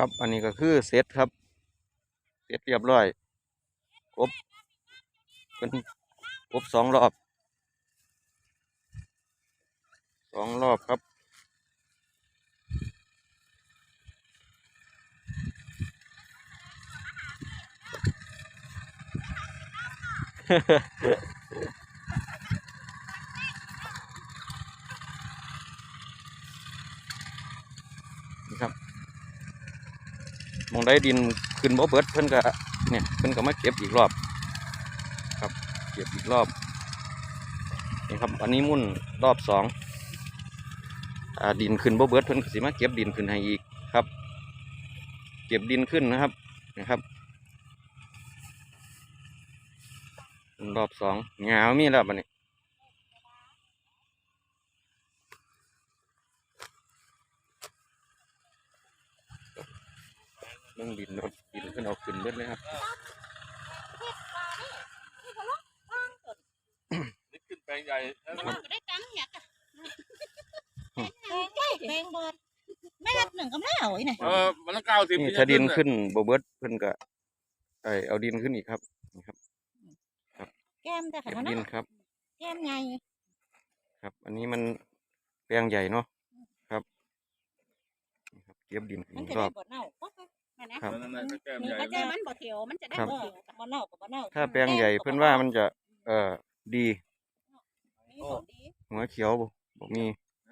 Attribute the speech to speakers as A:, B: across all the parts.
A: ครับอันนี้ก็คือเซตครับเสร็จเรียบร้อยครบเป็นครบ2 รอบครับ นี่ครับมองได้ดินขึ้นบ่เบิดเพิ่นก็เนี่ยเพิ่นก็มาเก็บอีกรอบครับเก็บอีกรอบนี่ครับอันนี้มุ่นรอบ2ดินขึ้นบ่เบิดเพิ่นก็สิมาเก็บดินขึ้นให้อีกครับเก็บดินขึ้นนะครับนะครับรอบ2หญ้ามีแล้วบัดนี้เบิ่งดินรถดินเพิ่นเอาขึ้นเบิดเลยครับ
B: นี่ขึ้นแปลงใหญ่แล้ว
C: มันก็ได้ตังค์อยากอะแพงเบิดแม่หนึ่งก็ไม่เอาไอ้เนี่ย
B: มันต้อง90
A: นี่ถ้าดินขึ้นบ่เบิดเพิ่นก็เอาดินขึ้นอีกครับนี่ครับ
C: แก้มแต่
A: เก็บ
C: ขนาด
A: ดิ
C: นั้น
A: นครับ
C: แก้มไง
A: ครับ อันนี้มันแปลงใหญ่เนาะครับนี่ครับเก็บดินขึ้น
C: มัน
A: อี
C: จะ
A: กร
C: ได้
A: อบ
C: บ่เน่าก็นะครับ
B: นั่นๆแก้ม
C: นี่
B: ใหญ่
C: ก็จะมันบ่เถียวมันจะได้บ่เถียวบ่เน่ากับบ่เน่า
A: ถ้าแปลงใหญ่เพิ่นว่ามันจะดี
C: มีของดี
A: หัวเขียวบ่มี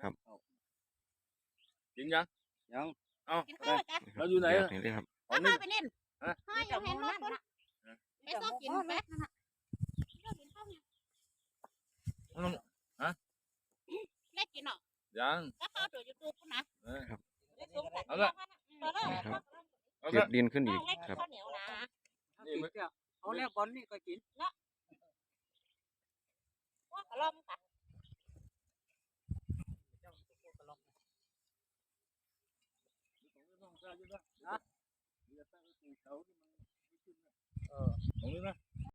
B: กินยังเอ้า
C: กินข้าวจ้ะ
B: เราอยู่ไหน
A: แบบนี้เลยครับ
C: เอาพาไปเล่นให้ยังเห็นรถคนไปซ้อมกินแป๊บนั่นน่ะเล่นกินเนาะ
B: ยัง
C: ก็เข้าตัว YouTube พุ่นนะ
B: เอาละ
A: เก็บดินขึ้นอีกครับ
C: ข้าวเหนียวนะ
B: นี่มัน
D: เอาแล้วบอลนี่ก็กิน
C: ว่ากระลอมกัน
B: ตรงนี้นะ